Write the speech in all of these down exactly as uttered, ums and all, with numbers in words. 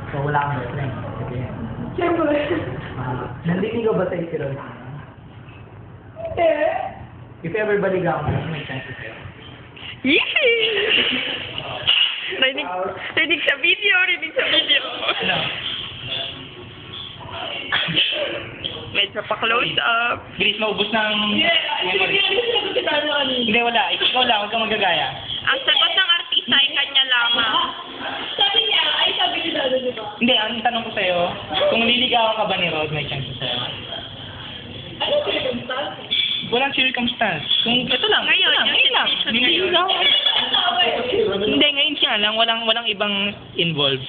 So, wala kang boyfriend. Sige. Siyempre. Uh, nandinigaw ba sa'yo si Rod? Hindi. If ever baligaw mo, may chance sa'yo. Yee! Rinig, rinig sa video, rinig sa video. Ano? Medyo pa-close up. Bilis, maubos ng memory. Hindi, wala. Ikaw lang, huwag kang magagaya. Ang sagot ng artista ay kanya lamang. Sabi niya, ay sabi ni Dado, di ba? Hindi, ang tanong ko sa'yo, kung liligawan ka ba ni Rod, may chance sa'yo. Ano circumstance? Walang circumstance. Kung ito lang, Ngayon, ito lang, yung ngayon lang. situation ngayon. Liligaw. Ano Hindi, ngayon siya lang. Walang, walang ibang involved.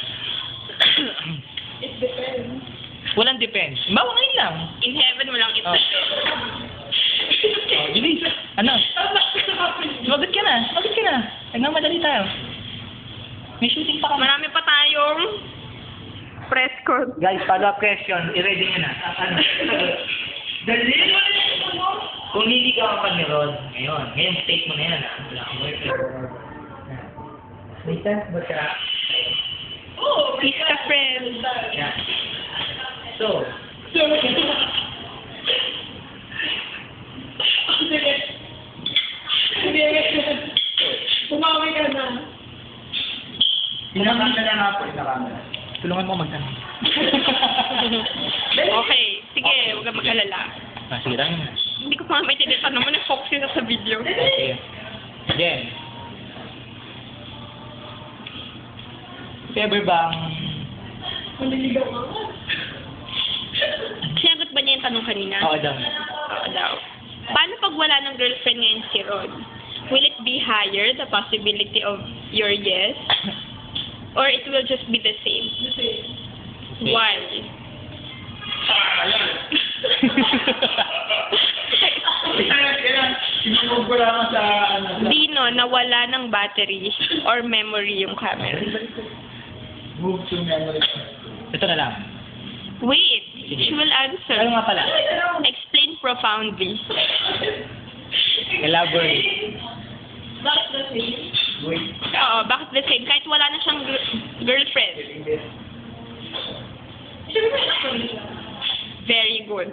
It depends. Walang depends. Bawa ngayon lang. In heaven, walang ito. Oh. Oh, bilis. Ano? Sumagot ka na. Sumagot ka na. Nagmamadali tayo. May shooting pa kami. Marami pa tayong press con. Guys, follow-up question. I-ready nyo na. Ah, Ano? Dali mo na yung ano? Kung liligawan ka ni Rod, ngayon, ngayon state mo na yan, ah. Wala kang boyfriend. May chance ba siya? Oo. He's a friend. Yeah. So, Sige. Sige. Bumawi ka na. Inakan na lang ako. Inakan na. Tulungan mo magtanong. Okay, sige, huwag kang mag-alala. Ah, sige lang. Hindi ko pa may tinitanong mo, na-focus yun sa video. Okay. Jen. If ever bang... Maliligaw ka nga. Sinagot ba niya yung tanong kanina? Oo daw. Oo daw. Paano pag wala ng girlfriend ngayon si Rod? Will it be higher, the possibility of your yes? Or it will just be the same? Kasi, Why? Sinubog ko lang sa ano. Dino, nawala ng battery or memory yung camera. Move to memory. Ito na lang. Wait, she will answer. Ano nga pala? Explain profoundly. Elaborate. that's the thing. Wait. Oo, bakit the same? Kahit wala na siyang gr- girlfriend. Siyempre, actually siya. Very good.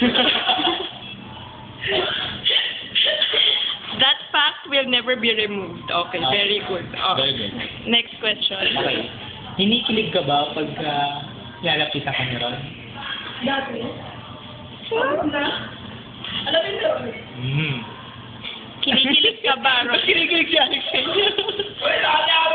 That fact will never be removed. Okay, very good. Oh. Very good. Next question. Okay. Hinikilig ka ba pag uh, lalapitan ka ni Ron? Dati. Ano na? Alam mo yun? Hmm. Kinikilig ka ba, Ron? Kinikilig si Alex sa inyo. Wala na ako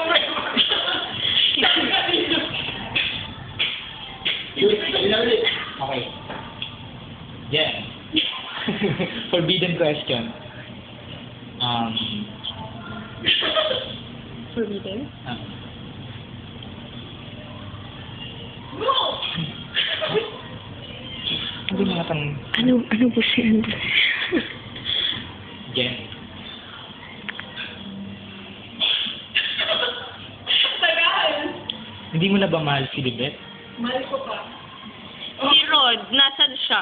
Okay. Yeah. Forbidden question. Um, Forbidden? ah. No! Hindi mga tang... Ano, ano po siya? Jen. Tagal! Hindi mo na ba mahal si Libet? Mahal ko pa. Si Rod, nasan siya?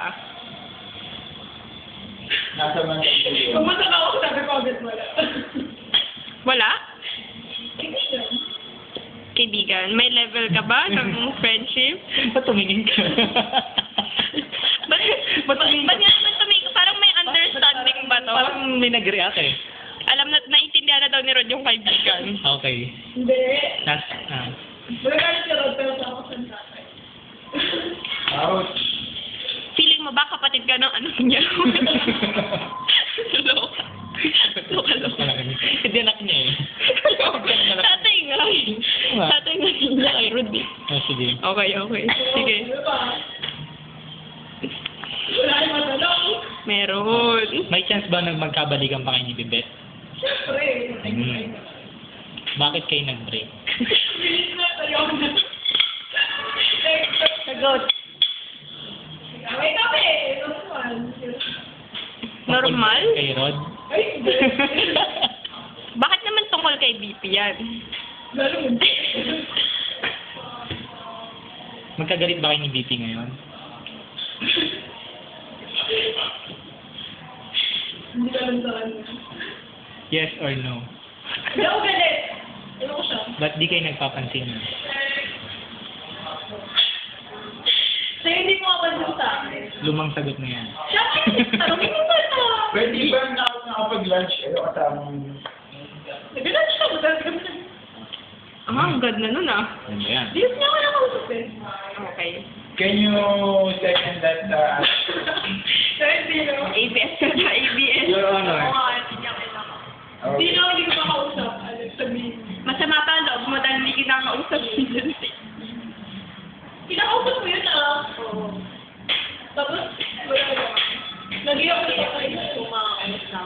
Nasa man Pumunta ka ako, sabi ko agad wala. Wala? Kaibigan. Kaibigan, may level ka ba ng friendship? Ba't tumingin ka? Ba't, ba't, ba't nga naman tumingin? Parang may understanding ba to? Parang may nag-react eh. Alam na, naintindihan na daw ni Rod yung kaibigan. Okay. Hindi. Nas, ah. Magalit si Rod, pero sa ako sa tatay. Ouch. Feeling mo ba kapatid ka ng anak niya? Loka. Loka, loka. Hindi anak niya eh. Tatay nga. Tatay nga niya kay Rod eh. Oh, sige. Okay, okay. Sige. Ano ba? Wala yung matanong. Meron. May chance ba na magkabalikan pa kayo ni Bibet? Siyempre. Hmm. Bakit kayo nag-break? Bilis na, tayo na. Sagot. Wait kami. Normal. Normal? Kay Rod? Ay, hindi. Bakit naman tungkol kay B P yan? Ganun. Magkagalit ba kayo ni B P ngayon? Hindi ka lang sa kanya. Yes or no? Hindi ako galit. Ano ko siya? Ba't di kayo nagpapansin? lumang sagot na yan. Siyempre, tanongin mo ba ito? Pwede ba na nakapag-lunch kayo kasamang... Nag-lunch siya, madalas kami nag- Ah, ang ganda nun ah. Ano ba yan? Di niya ako nakausap eh. Okay. Can you second that uh, So, hindi no? A B S ka na, A B S. Your Honor. Oo nga, hindi niya kailangan. Hindi okay. na hindi ko makausap. Ano, sabihin. Masama pa ang loob mo dahil hindi kita kausap dyan. Kinakausap mo yun ah. Oo. Tapos, wala na. Nag-iyak ko sa kayo kung makakausap.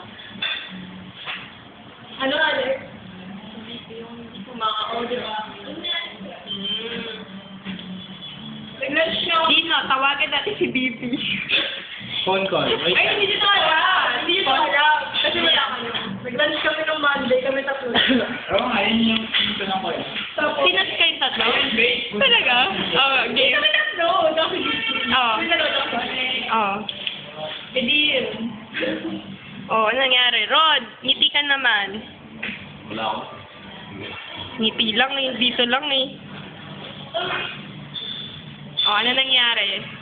Ano, Alex? Yung kumakao, di ba? Mm. Nag-lunch siya. Dino, tawagan natin si B B. Phone call. Wait. Ay, hindi dito harap. Hindi dito harap. Kasi wala ka na. Nag-lunch kami ng Monday, kami tatlo. Oo nga, yun yung yung tanong ko eh. Tapos, Sino kayong tatlo? Talaga? Oo, hindi game. kami tatlo. Dami Oo. Kami tatlo tatlo. Oo. Eh di yun. Oo, ano nangyari? Rod, ngiti ka naman. Wala ako. Ngiti lang eh, dito lang eh. Oo, ano nangyari?